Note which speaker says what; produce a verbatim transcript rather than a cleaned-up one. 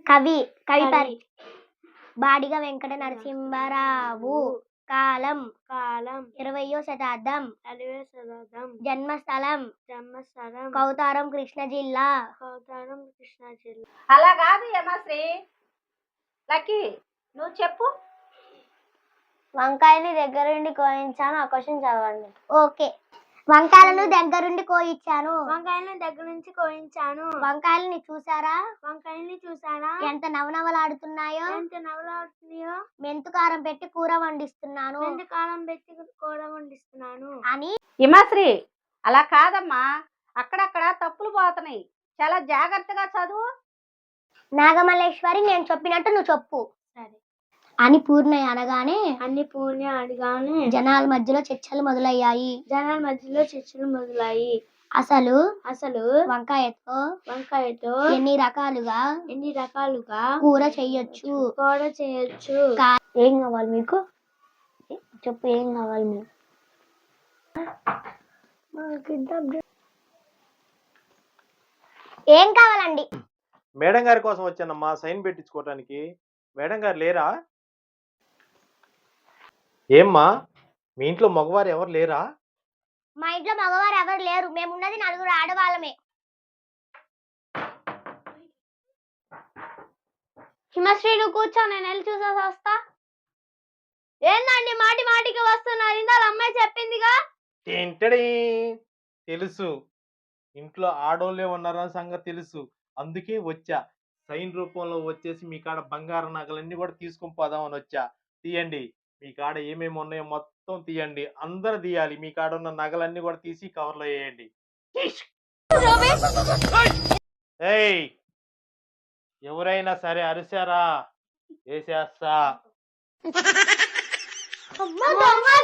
Speaker 1: కవి కవి పరి బాడిగ వెంకట నరసింహారావు కాలం కాలం ఇరవయో శతాబ్దం ఇరవయో శతాబ్దం జన్మస్థలం జన్మస్థలం కౌతారం కృష్ణ జిల్లా కౌతారం కృష్ణ జిల్లా.
Speaker 2: అలా కాదు యమశ్రీ, లక్కీ నువ్వు చెప్పు.
Speaker 1: వంకాయని దగ్గరుండి కోయించాను. ఆ క్వశ్చన్ చదవండి. ఓకే. వంకాయలను దగ్గరుండి కోయించాను. వంకాయలను దగ్గర నుంచి కోయించాను. వంకాయలని చూసారా? వంకాయల్ని చూసారా? ఎంత నవనవలాడుతున్నాయో ఎంత నవలాడుతున్నాయో మెంతుకారం పెట్టి కూర వండిస్తున్నాను. మెంతుకారం పెట్టి కూర వండిస్తున్నాను అని.
Speaker 2: యమశ్రీ అలా కాదమ్మా, అక్కడక్కడ తప్పులు పోతున్నాయి, చాలా జాగ్రత్తగా చదువు.
Speaker 1: నాగమల్లేశ్వరి, నేను చెప్పినట్టు నువ్వు చెప్పు. సరే అని పూర్ణయ్య అనగానే అన్ని పూర్ణ అనగానే జనాల మధ్యలో చర్చలు మొదలయ్యాయి. జనాల మధ్యలో చర్చలు మొదలయ్యాయి. అసలు అసలు వంకాయతో వంకాయతో ఎన్ని రకాలుగా ఎన్ని రకాలుగా కూర చెయ్యొచ్చు కూర చేయొచ్చు ఏం కావాలి మీకు చెప్పు. ఏం కావాలి మీకు? ఏం కావాలండి?
Speaker 3: మేడం గారి కోసం వచ్చానమ్మా, సైన్ పెట్టించుకోవటానికి. మేడం గారు లేరా? ఏమ్మా మీ ఇంట్లో మగవారు ఎవరు లేరా?
Speaker 1: మా ఇంట్లో మగవారు ఎవరు లేరు. మేమున్నది నలుగురు ఆడవాళ్ళమే. హిమశ్రీ నువ్వు కూర్చో, నేను వెళ్ళి చూసేసి వస్తా. ఏందండి మాటి మాటికి వస్తున్నారు? ఇందాక అమ్మాయి చెప్పిందిగా.
Speaker 3: ఏంటడి తెలుసు, ఇంట్లో ఆడోళ్ళే ఉన్నారన్న సంగతి తెలుసు, అందుకే వచ్చా. సైన్ రూపంలో వచ్చేసి మీ కాడ బంగారు నగలన్నీ కూడా తీసుకొని పోదామని వచ్చా. తీయండి, మీ కాడ ఏమేమి ఉన్నాయో మొత్తం తీయండి. అందరు తీయాలి. మీ కాడ ఉన్న నగలన్నీ కూడా తీసి కవర్లో వేయండి. ఏయ్ ఎవరైనా సరే అరిసారా వేసేస్తా.